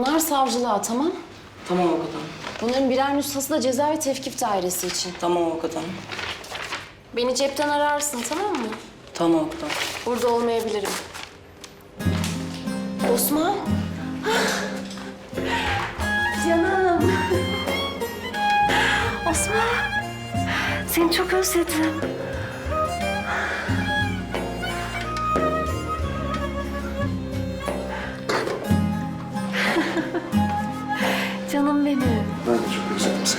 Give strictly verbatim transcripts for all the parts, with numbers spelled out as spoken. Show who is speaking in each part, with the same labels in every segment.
Speaker 1: Bunlar savcılığa, tamam?
Speaker 2: Tamam avukat hanım.
Speaker 1: Bunların birer nüshası da ceza ve tevkif dairesi için.
Speaker 2: Tamam avukat hanım.
Speaker 1: Beni cepten ararsın, tamam mı?
Speaker 2: Tamam avukat hanım.
Speaker 1: Burada olmayabilirim. Osman. Canım. Osman. Seni çok özledim. Canım benim.
Speaker 3: Ben de çok özledim seni.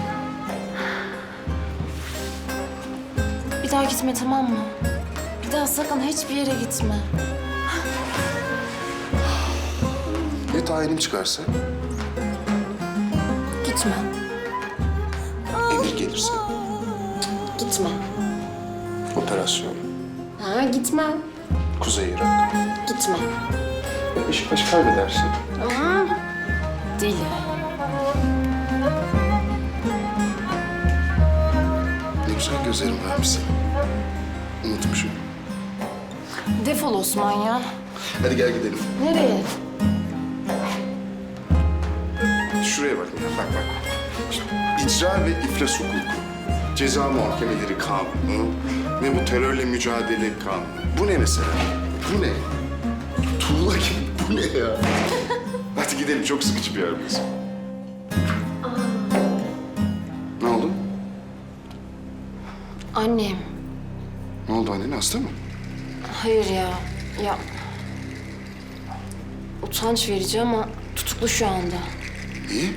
Speaker 1: Bir daha gitme, tamam mı? Bir daha sakın hiçbir yere gitme.
Speaker 3: Ya tayinim çıkarsa?
Speaker 1: Gitme.
Speaker 3: Emir gelirse?
Speaker 1: Gitme.
Speaker 3: Operasyon,
Speaker 1: Ha, gitme.
Speaker 3: Kuzey Irak.
Speaker 1: Gitme.
Speaker 3: Ya Beşiktaş kaybederse?
Speaker 1: Aa, deli.
Speaker 3: Ne güzel gözlerim varmış senin. Unutmuşum.
Speaker 1: Defol Osman ya.
Speaker 3: Hadi gel gidelim.
Speaker 1: Nereye?
Speaker 3: Şuraya bak ya, bak bak. İşte icra ve iflas hukuku, ceza muhakemeleri kanunu ve bu terörle mücadele kanunu. Bu ne mesela? Bu ne? Tuğla gibi bu ne ya? Hadi gidelim, çok sıkıcı bir yer burası. Ne oldu?
Speaker 1: Annem.
Speaker 3: Ne oldu annen, hasta mı?
Speaker 1: Hayır ya. Ya. Utanç verici ama tutuklu şu anda.
Speaker 3: İyi.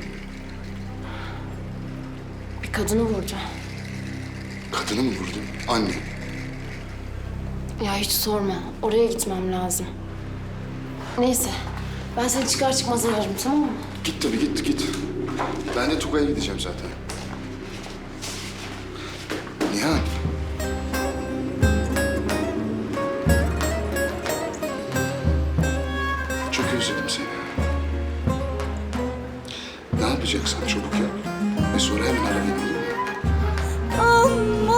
Speaker 1: Bir kadını vurdu.
Speaker 3: Kadını mı vurdu? Anne.
Speaker 1: Ya hiç sorma. Oraya gitmem lazım. Neyse. Ben seni çıkar çıkmaz ararım, tamam mı?
Speaker 3: Git tabii, git git. Ben de Tugay'a gideceğim zaten. Nihan. Çok özledim seni. Ne yapacaksan çabuk yap. Ve sonra hemen ara beni, olur mu?
Speaker 4: Ama